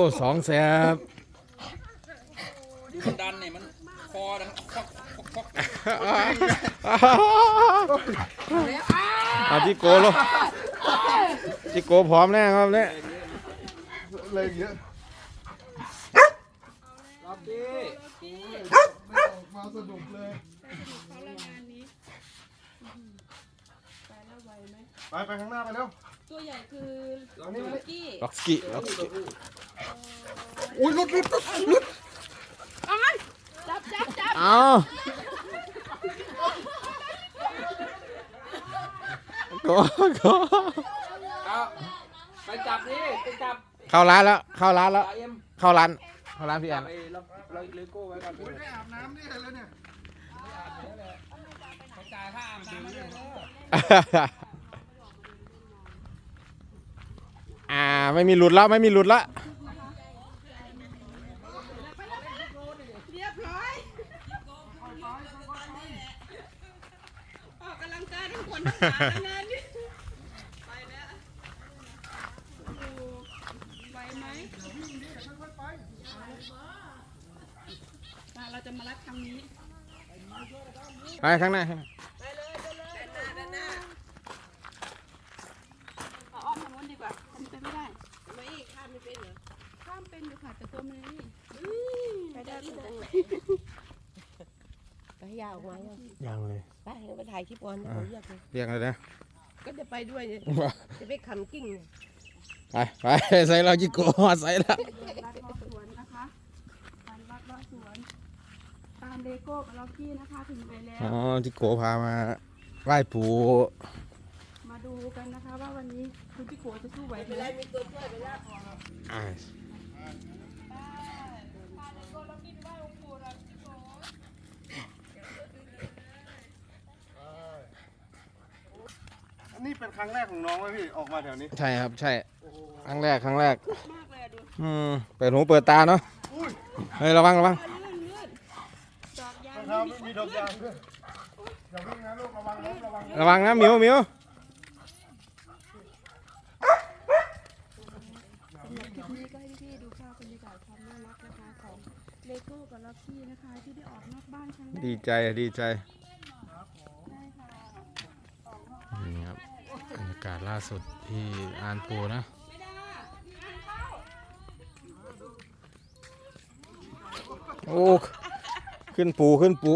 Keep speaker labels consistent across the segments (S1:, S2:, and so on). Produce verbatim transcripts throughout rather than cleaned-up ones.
S1: สองแสบ
S2: ดันเนี่ยมันคอดังคอกคอก
S1: เอาจิโก้ลงจิโก้พร้อมแน่ครับเนี่ย
S3: เลยเยอะ
S2: รับดิ
S3: ไม่ออกมาสนุกเลยไปไปข้างหน้าไปเร็ว
S4: ตัวใหญ่คือล็อกกี้
S1: ล็อกสกี้ล็อกสกี้
S3: อุ้ยลุดลุดลุด
S4: จับจับจับ
S1: เอาโก้โก้
S2: เอาไปจับดิไปจับ
S1: เข้าร้านแล้วเข้าร้านแล้ว
S2: เอ็ม
S1: เข้าร้านเข้าร้านพี่แอ
S2: จับ
S1: น
S2: ไอ้เราเราเลโก้ไว้ก่อน
S3: ได้อาบน้ำนี่เลยเนี่ย
S2: เขาจ่ายค่าอาบน้ำเลย
S1: อ่าไม่มีหลุดแล้วไม่มีหลุดแล้ว
S4: เรียบร้อยออกกำลังกายทั้งคนทั้งขาทั้งงานนี่ไปแล้วไหวไหมเราจะมารัดครั้งนี้
S1: ไปข้างหน้าข้างหน้า
S4: เอาอ้อมทางโน้นดีกว่าทำไปไม่ได้ไม่ข้ามไม่เป็นเหรอข้ามเป็นอยู่ค่ะแต่ตัวมันนี่ไปได้สุดจังเลย
S5: ไปยาวออกมายัง
S1: ยังเลย
S5: ไปเราไปถ่ายคลิปก่อนเดี๋ยวผมอยากเลย
S1: เรียกเลยนะ
S5: ก็จะไปด้วยเนี่ยจะไปขันกิ้ง
S1: ไปไปใส่เราจิโก้ใส่แล้ว
S4: รัดรอบสวนนะคะการรัดรอบสวนตามเลโก้กับล็อกกี้นะคะถึงไปแล้ว
S1: อ๋อจิโก้พามาไหว้ปู่
S4: มาดูกันนะคะว่าวันนี้คุณพี่โกจะสู้ไหวไหม
S5: มีตัวช่วยไปแล้ว
S1: อ่า
S3: อันนี้เป็นครั้งแรกของน้องไหมพี่ออกมาแถวนี้
S1: ใช่ครับใช่ครั้งแรกครั้งแรก
S4: มากเลยอะดู
S1: อืมเปิดหูเปิดตาเนาะเฮ้ยระวังระวัง
S4: ลื่นลื่นดอกยาง
S3: รองเท้าไม่มีดอกยางด้วยอย่าวิ่งนะลูกระวังล้มระวัง
S1: ระวังนะหมิวหมิว
S4: สำหรับคลิปนี้ก็ให้พี่ๆดูภาพบรรยากาศความน่ารักนะคะของเลโก้กับล็อกกี้นะคะที่ได้ออกนอกบ้านครั้งแรก
S1: ดีใจดีใจ
S4: ได้ค่ะ
S1: นี่ครับบรรยากาศล่าสุดที่อานปูนะโอ้ขึ้นปูขึ้นปู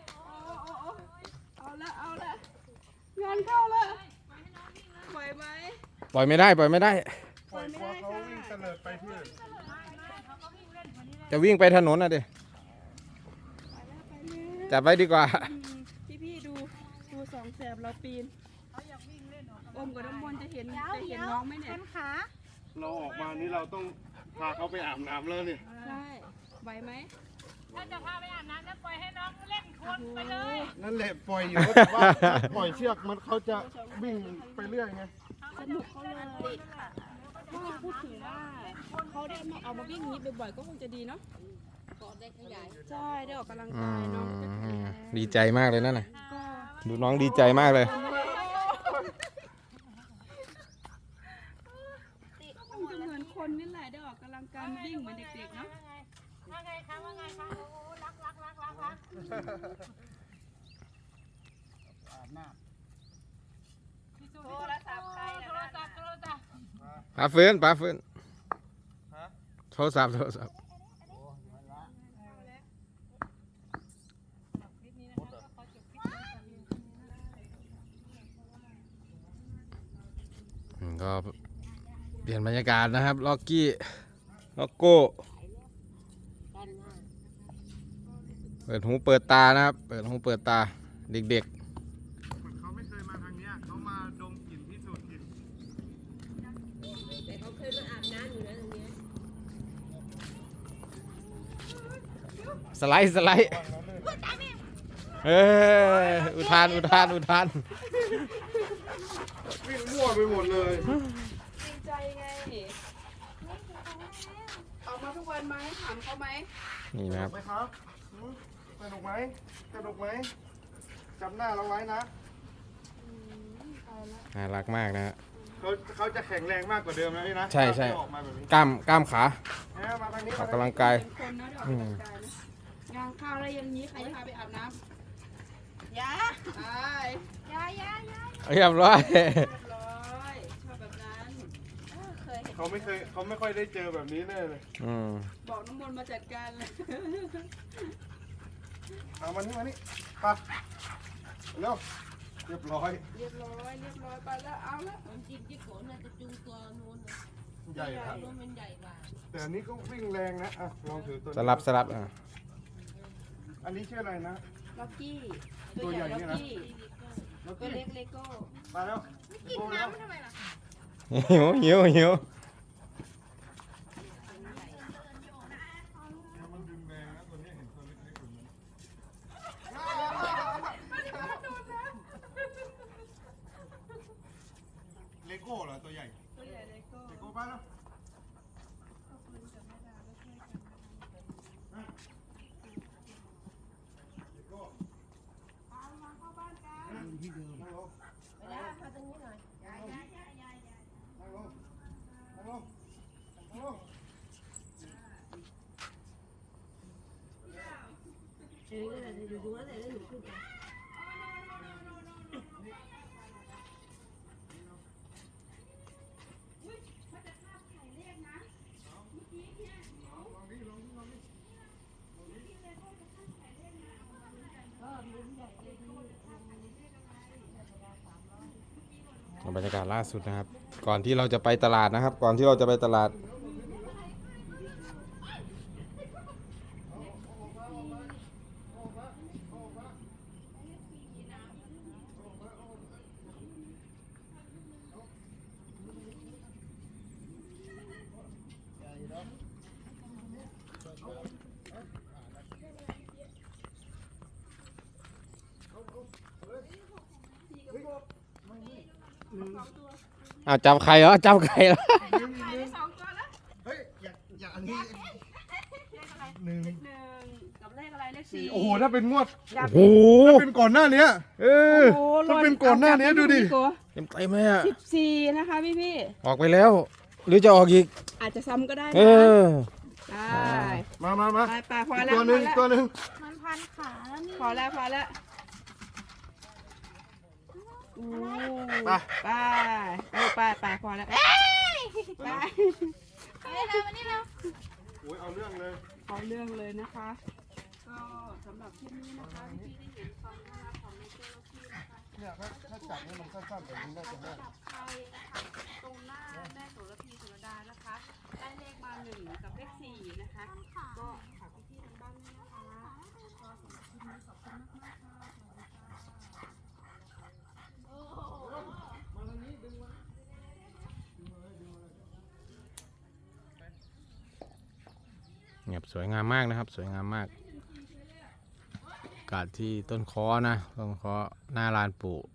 S4: เอาละเอาละงานเข้าละไหวไหม
S1: ปล่อยไม่ได้ปล่อยไม่ได้
S3: ปล่อยตัวเขาวิ่งเตลิดไปที่อื่น
S1: จะวิ่งไปถนนนะดิจับไว้ดีกว่า
S4: พี่พี่ๆดูดูสองแสบเราปีนอมกับน้ำมนต์จะเห็นจะเห็นน้องไหมเนี่ย
S3: เราออกมานี่เราต้องพาเขาไปอาบน้ำแล้วเนี่ย
S4: ใช่ไหวไหม
S6: ถ้าจะพาไปอาบน้ำจะปล่อยให้น้องเล่นคนไปเลย
S3: นั่นแหละปล่อยอยู่แต่ว่าปล่อยเชือกมันเขาจะวิ่งไปเรื่อยไง
S4: สนุกเขาเลยว่าพูดถึงว่าเขาได้มาเอามาวิ่งอย่างนี้บ่อยๆก็คงจะดีเนาะ
S5: ก็ได้ขยาย
S4: ใช่ได้ออกกำลัง
S1: อื
S4: กายน้องจะ
S1: ม
S4: แข็งแรง
S1: ดีใจมากเลยนั่นน่ะ
S4: ก็
S1: ดูน้องดีใจมากเลย
S4: คงจะเหมือนคนนี่แหละได้ออกกำลังกายมาวิ่งเหมือนเด็กๆเนาะ
S6: ว่าไงคะว่าไงคะโอ้รักรักรักรักรักโทรศัพท์ใครโทรศัพท์โทรศัพท์
S1: ปลาฟื้นปลาฟื้นโทรศัพท์โทรศัพท์อืมก็เปลี่ยนบรรยากาศนะครับล็อกกี้ล็อกโก้เปิดหูเปิดตานะครับเปิดหูเปิดตาเด็ก
S3: เขาไม่เคยมาทางเนี้ยเขามาดมกลิ่นพิสูจน์กลิ่น
S5: แต่เขาเคยมาอาบน้ำอยู่นะตรงนี้
S1: ๆสไลด์สไลด์เอ้ยอุทานอุทานอุทาน
S3: วิ่งมั่วไปหมดเลย
S4: ดีใจไงออกมาทุกวันไหมถามเขาไหม
S1: นี่นะครับ
S3: ไหมครับหืมสนุกไหมสนุกไหมจำหน้าเราไว้นะ
S1: น่ารักมากนะฮะ
S3: เขาเขาจะแข็งแรงมากกว่าเดิมนะพี่นะ
S1: ใช่ใช่
S3: ที่ออกมาแบบนี้
S1: กล้ามกล้ามขา
S3: แล้วมาทางนี้
S1: ออกกำลังกาย
S4: เป็นคนนะเดี๋ยวออกกำลังกายนะงานข้าวอะไรอย่างนี้ใครจะพาไปอาบน้ำยาไปยายายา
S1: เรียบร้อย
S4: เรียบร้อยชอบแบบนั้นเออเคยเห็น
S3: เขาไม่เคยเขาไม่ค่อยได้เจอแบบนี้แน่เลย
S1: อืม
S4: บอกน้ำมนต์มาจัดการเลย
S3: เอามานี่มานี่ไปเร็วเรียบร้อย
S4: เรียบร้อยเรียบร้อยไปแล้วเอาละ
S5: มันจริงที่โขนน่ะจะจูงตัวนู้นนะ
S3: ใหญ่ครับ
S5: นู้นมันใหญ่กว่า
S3: แต่อันนี้ก็วิ่งแรงนะอ่ะลองถือตัวนี้
S1: สลับสลับอ่ะ
S3: อันนี้ชื่ออะไรนะ
S4: ล็อกกี้
S3: ตัวใหญ่
S4: ล็อก
S3: เนี่ยนะ
S4: กี้
S3: แล้ว
S4: ตัว
S3: ก็
S4: เล็กเลโก้
S3: มาแล้วกินน้ำ
S1: หิวหิวหิว
S3: มันดึงแรงนะตัวนี้เห็นตัวเล็กๆอยู่นั้นเลโก้เหรอตัวใหญ่
S4: ตัวใหญ่เลโก้
S3: เลโก้ไปแล้ว
S5: ไปได้มาตรงนี้หน่อย
S3: นั่งลงนั่งลงนั่งลง
S5: เออก็เลยอยู่ตรงนั้นเลยแล้วหนูขึ้นไป
S1: บรรยากาศล่าสุดนะครับ ก่อนที่เราจะไปตลาดนะครับ ก่อนที่เราจะไปตลาด อ้าวจับไข่เหรอจับไข่แล้ว
S4: สองตัวแล้ว
S3: เฮ้ยอยากอยากอันนี้หนึ่ง
S4: หนึ่งกับเลขอะไรเลขสี่
S3: โอ้โหถ้าเป็นงวด
S1: โอ้โห
S3: ถ้าเป็นก่อนหน้านี้
S1: เออ
S4: โอ้โห
S3: ถ้าเป็นก่อนหน้านี้ดูดิ
S1: เต็มเต็มเลยอ่ะ
S4: สิบสี่นะคะพี่พี่
S1: ออกไปแล้ว หรือจะออกอีก
S4: ๆอาจจะซ้ำก็ได้
S1: เอ
S4: นะ
S1: อ
S4: ได้
S3: มามามา
S4: ไปไปพอ
S3: อีก
S4: แล้ว
S3: ตัวหนึ่ง
S4: พอ
S3: อีก
S4: แล้ว
S3: ตัวหนึ่ง
S6: มันพันขาแล้วนี่
S4: พอแล้วพอแล้วอู้
S3: ไป
S4: ไปเออไปไปพอแล้วไป
S6: เอาเลยนะวันนี้เรา
S3: โอ้ยเอาเรื่องเลย
S4: เอาเรื่องเลยนะคะ ก็สำหรับคลิปนี้นะคะพี่ได้เห็นความน่ารักของเนเจอร์ที่นะคะ
S3: เนี่ยถ้าถ้าจับเนี่ยมันสั้นๆแบบนี้น่าจะได้
S4: จับไทยนะคะตรงหน้าแม่โสระพีโสระดานะคะ ได้เลขมาหนึ่งกับเลขสี่นะคะ ก็ฝากพี่ๆทางบ้านด้วยนะคะก็สำหรับคลิปนี้ขอบคุณมากๆค่ะสวัสดีค่ะ
S1: เงียบสวยงามมากนะครับ สวยงามมากอากาศที่ต้นคอนะต้นคอหน้าลานปู่